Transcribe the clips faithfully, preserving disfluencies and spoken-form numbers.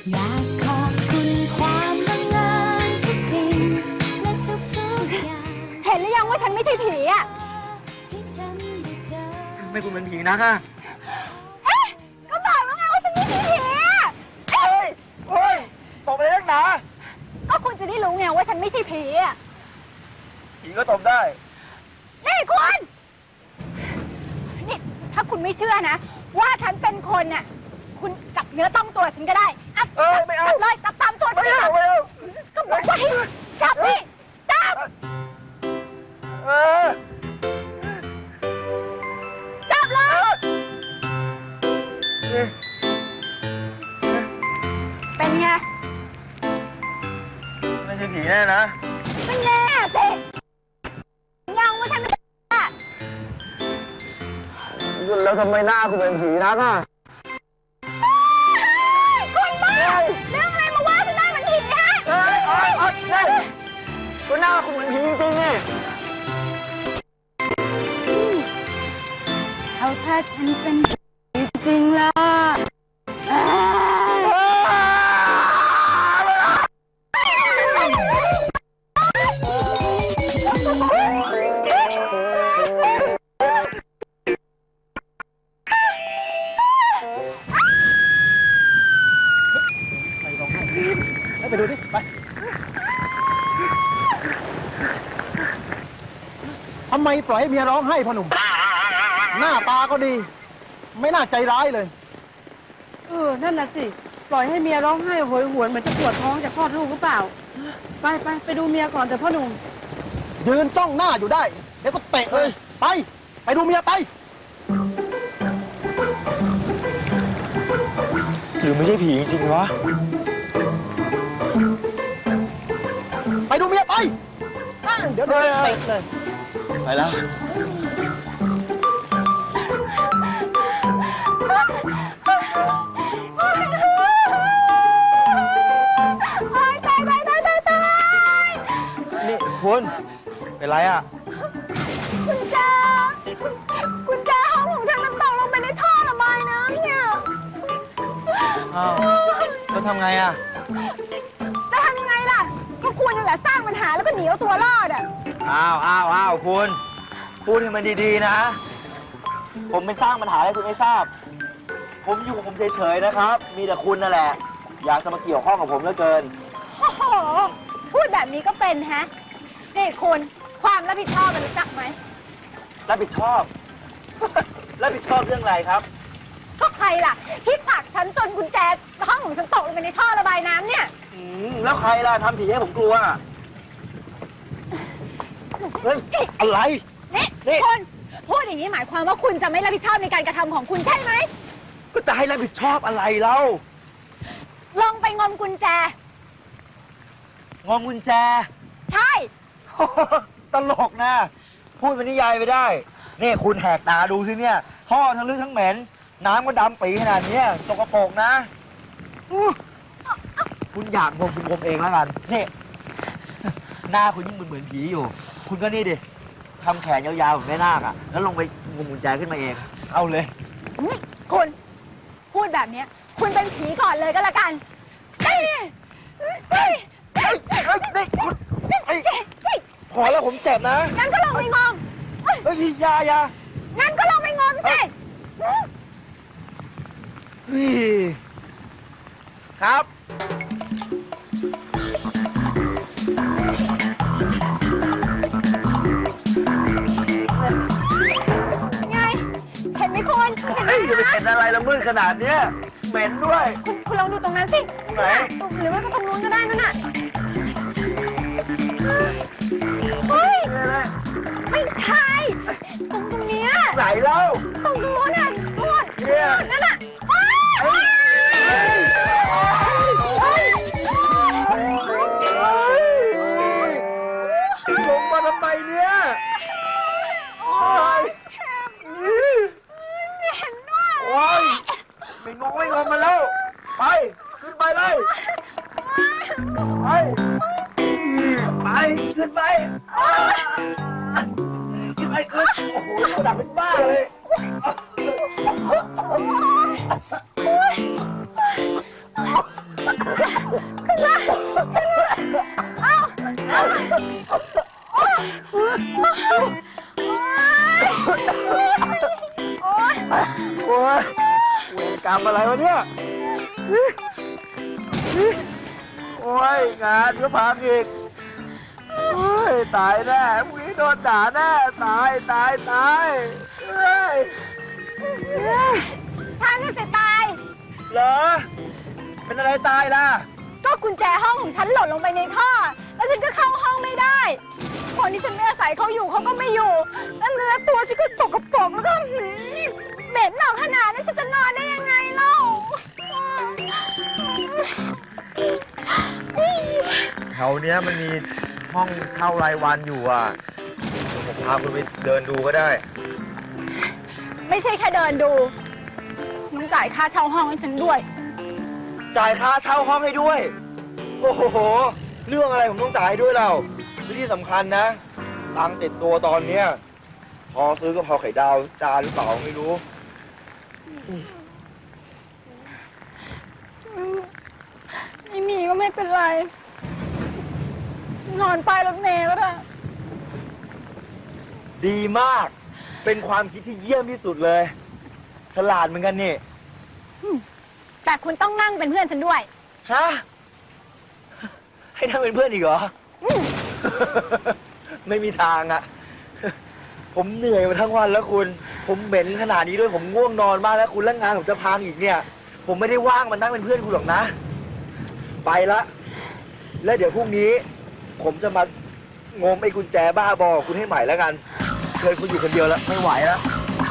อยากขอบคุณความบังเอิญทุกสิ่งและทุกๆอย่างเห็นหรือยังว่าฉันไม่ใช่ผีอ่ะที่ฉันได้เจอไม่คุณเป็นผีนะค่ะเอ๊ะก็บอกแล้วไงว่าฉันไม่ใช่ผีอ่ะเอ้ยโอ้ยตบเลยนักหนาก็คุณจะได้รู้ไงว่าฉันไม่ใช่ผีอ่ะผีก็ตบได้นี่คุณนี่ถ้าคุณไม่เชื่อนะว่าฉันเป็นคนน่ะคุณจับเนื้อต้องตัวฉันก็ได้อับเออไม่เอาจับเลยจับตามตัวฉันไม่เอาไม่เอาก็บอกว่าให้จับนี่จับเออจับเลยเป็นไงไม่ใช่ผีแน่นะเป็นไงสิยังว่าฉันไม่ใช่แล้วทำไมหน้าคุณเป็นผีนักอ่ะคุณบ้าเรื่องอะไรมาว่าฉันได้เหมือนผีฮะเฮ้ยอ๋ออ๋อใช่ก็หน้าคุณเหมือนผีจริงๆนี่เอาถ้าฉันเป็นผีจริงล่ะไปดูดิไปทำไมปล่อยให้เมียร้องไห้พ่อหนุ่มหน้าตาก็ดีไม่น่าใจร้ายเลยเออนั่นน่ะสิปล่อยให้เมียร้องไห้โหยหวนเหมือนจะปวดท้องจะคลอดลูกหรือเปล่าไปไปไปดูเมียก่อนแต่พ่อหนุ่มยืนจ้องหน้าอยู่ได้เดี๋ยวก็เตะเลยไปไปดูเมียไปหรือไม่ใช่ผีจริงวะไปดูเมียไปเดี๋ยวเตะเลยไปแล้วนี่คุณเป็นไรอ่ะคุณจ้าคุณจ้าห้องของฉันมันตกลงไปในท่อระบายน้ำเนี่ยอ้าวแล้วทำไงอ่ะจะทำยังไงล่ะก็คุณนั่นแหละสร้างปัญหาแล้วก็หนีเอาตัวรอดอ่ะอ้าวอ้าวอ้าวคุณพูดให้มันดีๆนะผมไม่สร้างปัญหาให้คุณไม่ทราบผมอยู่ผมเฉยๆนะครับมีแต่คุณนั่นแหละอยากจะมาเกี่ยวข้องกับผมเหลือเกินโอ้โหพูดแบบนี้ก็เป็นฮะนี่คุณความรับผิดชอบมันรู้จักไหมรับผิดชอบ รับผิดชอบเรื่องอะไรครับก็ใครล่ะที่ผลักฉันจนกุญแจห้องของฉันตกลงไปในท่อระบายน้ำเนี่ยอืมแล้วใครล่ะทำผีให้ผมกลัวเฮ้ยอะไรนี่คุณพูดอย่างนี้หมายความว่าคุณจะไม่รับผิดชอบในการกระทำของคุณใช่ไหมก็จะให้รับผิดชอบอะไรเล่าลองไปงมกุญแจงมกุญแจใช่ตลกนะพูดเป็นนิยายไปได้นี่คุณแหกตาดูสิเนี่ยท่อทั้งลึกทั้งเหม็นน้ำก็ดำปีขนาดนี้สกปรกนะคุณอยากงมคุณงมเองแล้วกันนี่หน้าคุณยิ่งเหมือนผีอยู่คุณก็นี่ดิทำแขนยาวๆแบบแม่นาคอ่ะแล้วลงไปงมกุญแจขึ้นมาเองเอาเลยนี่คุณพูดแบบนี้คุณเป็นผีก่อนเลยก็แล้วกันเฮ้ยเฮ้ยเฮ้ยเฮ้ยนี่คุณพอแล้วผมเจ็บนะงั้นก็ลองไปงมเฮ้ยยายางั้นก็ลองไปงมสิครับไงเห็นไหมคุณเห็นไหมจะไปเห็นอะไรละมืดขนาดเนี้ยเหม็นด้วยคุณคุณลองดูตรงนั้นสิไหนหรือว่าตรงนู้นก็ได้นั่นน่ะเฮ้ยไม่ใช่ตรงตรงนี้ไหนเล่าตรงนู้นน่ะนู่นนั่นน่ะลงมาทำไมเนี่ยไม่เห็นด้วยโอ้ยไม่งงไม่งงมาแล้วไปขึ้นไปเลยไปไปขึ้นไปขึ้นไปขึ้นโอ้โหดับเป็นบ้าเลยขึ้นมาขึ้นมาเอาเอาโอ๊ยโอ๊ยโอ๊ยโอ้ยเวรกรรมอะไรวะเนี่ยโอ้ยงานก็พังอีกโอ้ยตายแน่พรุ่งนี้โดนด่าแน่ตายตายตายเฮ้ยฉันน่ะสิตายเหรอเป็นอะไรตายล่ะก็กุญแจห้องของฉันหล่นลงไปในท่อ แล้วฉันก็เข้าห้องไม่ได้ คนที่ฉันไม่อาศัยเขาอยู่เขาก็ไม่อยู่ แล้วเนื้อตัวฉันก็สกปรกแล้วก็หืมเหม็นหนักขนาดนั้นฉันจะนอนได้ยังไงเล่าแถวเนี้ยมันมีห้องเช่ารายวันอยู่อ่ะเดี๋ยวผมพาคุณไปเดินดูก็ได้ไม่ใช่แค่เดินดูต้องจ่ายค่าเช่าห้องให้ฉันด้วยจ่ายค่าเช่าห้องให้ด้วย โอ้โห เรื่องอะไรผมต้องจ่ายให้ด้วยเราและที่สำคัญนะตังค์ติดตัวตอนเนี้ยพอซื้อกะเพราไข่ดาวจานหรือเปล่าไม่รู้ไม่มีก็ไม่เป็นไร ฉันนอนป้ายรถเมล์ก็ได้ดีมาก เป็นความคิดที่เยี่ยมที่สุดเลย ฉลาดเหมือนกันนี่แต่คุณต้องนั่งเป็นเพื่อนฉันด้วยฮะ ให้นั่งเป็นเพื่อนอีกเหรออืมไม่มีทางอะผมเหนื่อยมาทั้งวันแล้วคุณ ผมเหม็นขนาดนี้ด้วย ผมง่วงนอนมากแล้วคุณแล้วงานผมจะพังอีกเนี่ย ผมไม่ได้ว่างมานั่งเป็นเพื่อนคุณหรอกนะ ไปละ แล้วเดี๋ยวพรุ่งนี้ ผมจะมางมไอ้กุญแจบ้าบอคุณให้ใหม่แล้วกันเคยคุณอยู่คนเดียวแล้วไม่ไหวแล้ว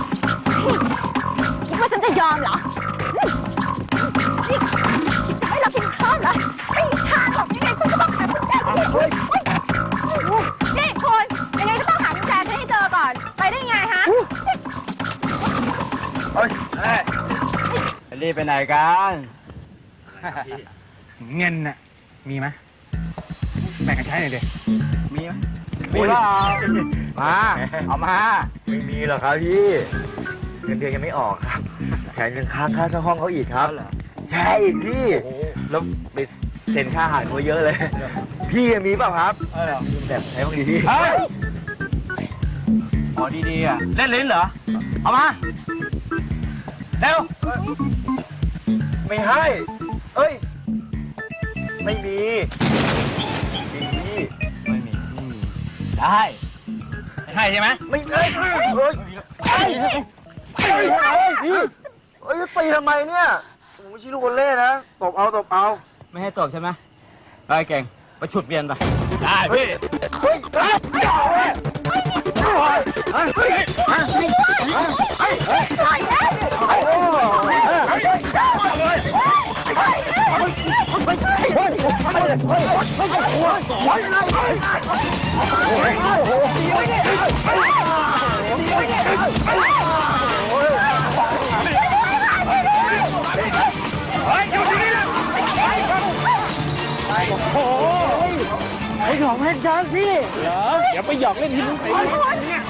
คิดว่าฉันจะยอมเหรออืมนี่คิดจะให้เราเป็นข้อเหรอไม่มีทางหรอกยังไงคุณก็ต้องหากุญแจที่เฮ้ยเฮ้ยนี่คุณยังไงก็ต้องหากุญแจฉันให้เจอก่อน ไปได้ไงฮะเฮ้ยเฮ้ยรีบไปไหนกันเงินน่ะมีไหมแบ่งกันใช้หน่อยดิมีไหมมีเปล่ามาเอามาไม่มีหรอกครับพี่เงินเดือนยังไม่ออกครับแถมยังค้างค่าเช่าห้องเขาอีกครับ ใช่พี่แล้วไปเซ็นค่าอาหารเขาเยอะเลย พี่มีเปล่าครับแบบใช้บ้างดีพี่เฮ้ยพอดีๆอ่ะเล่นลิ้นเหรอเอามาเร็วไม่ให้ เอ้ย ไม่มีมีไม่มีไม่มีได้ไม่ให้ใช่ไหมไม่ให้เฮ้ยเฮ้ยเฮ้ยเฮ้ยพี่เฮ้ยตีทำไมเนี่ยผมไม่ใช่ลูกคนเล่นะตบเอาตบเอาไม่ให้ตบใช่ไหมไปเก่งไปฉุดเวียนไปได้พี่เฮ้ยเฮ้ยเฮ้ยเฮ้ยเฮ้ยเฮ้ยเฮ้ยเฮ้ยเฮ้ยปล่อยนะเฮ้ยเฮ้ยเฮ้ยเฮ้ยเฮ้ยไอ้ของเล่นช้างพี่เหรอเดี๋ยวไปหยอกเล่นที่มึงไปเนี่ย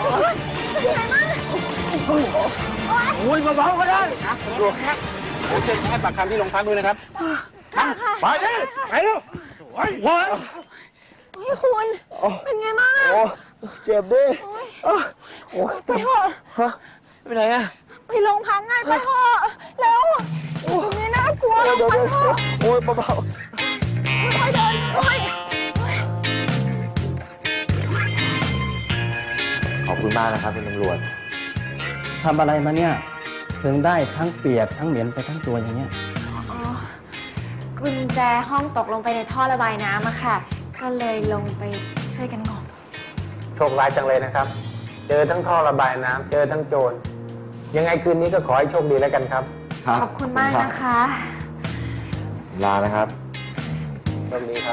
โอ้ยเบาๆก็ได้ดูแค่ผมจะให้ปากคำที่โรงพักด้วยนะครับไปดิไปเร็วโอ้ยโอ้ยเฮ้ยคุณ เป็นไงบ้างอะโอ้เจ็บดิโอ้ยไปเถอะฮะไปไหนอะไปโรงพักไงไปเถอะแล้วตรงนี้น่ากลัวเดี๋ยวเดี๋ยวไปเดี๋ยวเถอะโอ้ยเบาค่อยๆเดินค่อยๆขอบคุณมากนะครับคุณตำรวจทำอะไรมาเนี่ย ถึงได้ทั้งเปียกทั้งเหม็นไปทั้งตัวอย่างเงี้ยอ๋อกุญแจห้องตกลงไปในท่อระบายน้ำอะค่ะ ก็เลยลงไปช่วยกันงมโชคร้ายจังเลยนะครับ เจอทั้งท่อระบายน้ำเจอทั้งโจร ยังไงคืนนี้ก็ขอให้โชคดีแล้วกันครับขอบคุณมากนะคะลานะครับโชคดีครับ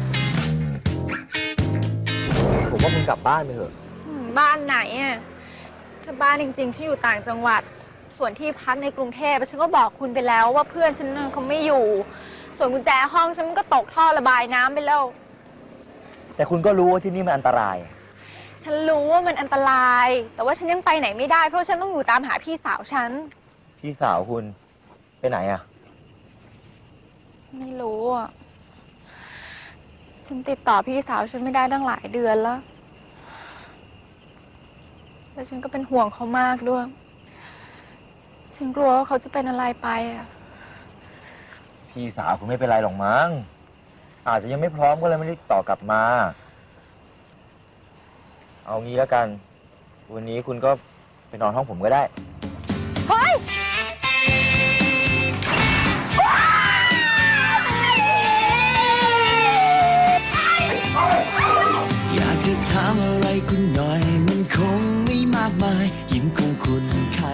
ผมว่าคุณกลับบ้านไปเถอะอืมบ้านไหนอะถ้าบ้านจริงๆฉันอยู่ต่างจังหวัด ส่วนที่พักในกรุงเทพฉันก็บอกคุณไปแล้วว่าเพื่อนฉันน่ะเขาไม่อยู่ ส่วนกุญแจห้องฉันมันก็ตกท่อระบายน้ำไปแล้วแต่คุณก็รู้ว่าที่นี่มันอันตรายฉันรู้ว่ามันอันตราย แต่ว่าฉันยังไปไหนไม่ได้เพราะฉันต้องอยู่ตามหาพี่สาวฉันพี่สาวคุณไปไหนอะนไม่รู้อ่ะ ฉันติดต่อพี่สาวฉันไม่ได้ตั้งหลายเดือนแล้ว แล้วฉันก็เป็นห่วงเขามากด้วย ฉันกลัวว่าเขาจะเป็นอะไรไปอ่ะพี่สาวคุณไม่เป็นไรหรอกมั้ง อาจจะยังไม่พร้อมก็เลยไม่ได้ต่อกลับมา เอางี้แล้วกัน วันนี้คุณก็ไปนอนห้องผมก็ได้เฮ้ย